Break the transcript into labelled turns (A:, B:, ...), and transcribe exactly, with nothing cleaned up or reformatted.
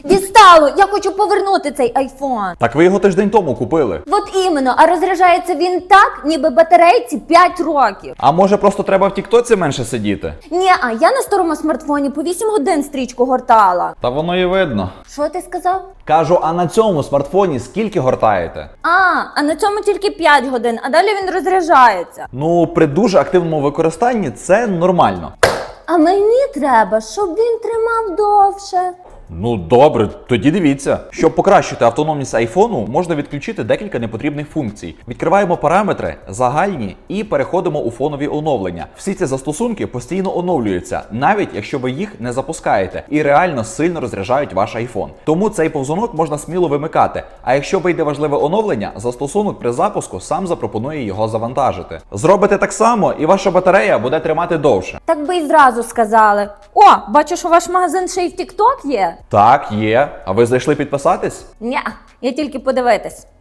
A: Дістало! Я хочу повернути цей айфон.
B: Так ви його тиждень тому купили.
A: От іменно, а розряджається він так, ніби батарейці п'ять років.
B: А може просто треба в тіктоці менше сидіти?
A: Ні, а я на старому смартфоні по вісім годин стрічку гортала.
B: Та воно і видно.
A: Що ти сказав?
B: Кажу, а на цьому смартфоні скільки гортаєте?
A: А, а на цьому тільки п'ять годин, а далі він розряджається.
B: Ну, при дуже активному використанні це нормально.
A: А мені треба, щоб він тримав довше.
B: Ну добре, тоді дивіться. Щоб покращити автономність айфону, можна відключити декілька непотрібних функцій. Відкриваємо параметри, загальні і переходимо у фонові оновлення. Всі ці застосунки постійно оновлюються, навіть якщо ви їх не запускаєте, і реально сильно розряджають ваш айфон. Тому цей повзунок можна сміло вимикати. А якщо вийде важливе оновлення, застосунок при запуску сам запропонує його завантажити. Зробите так само, і ваша батарея буде тримати довше.
A: Так би і зразу сказали. О, бачу, що ваш магазин ще й в TikTok є.
B: Так, є. А ви зайшли підписатись?
A: Ня, я тільки подивитись.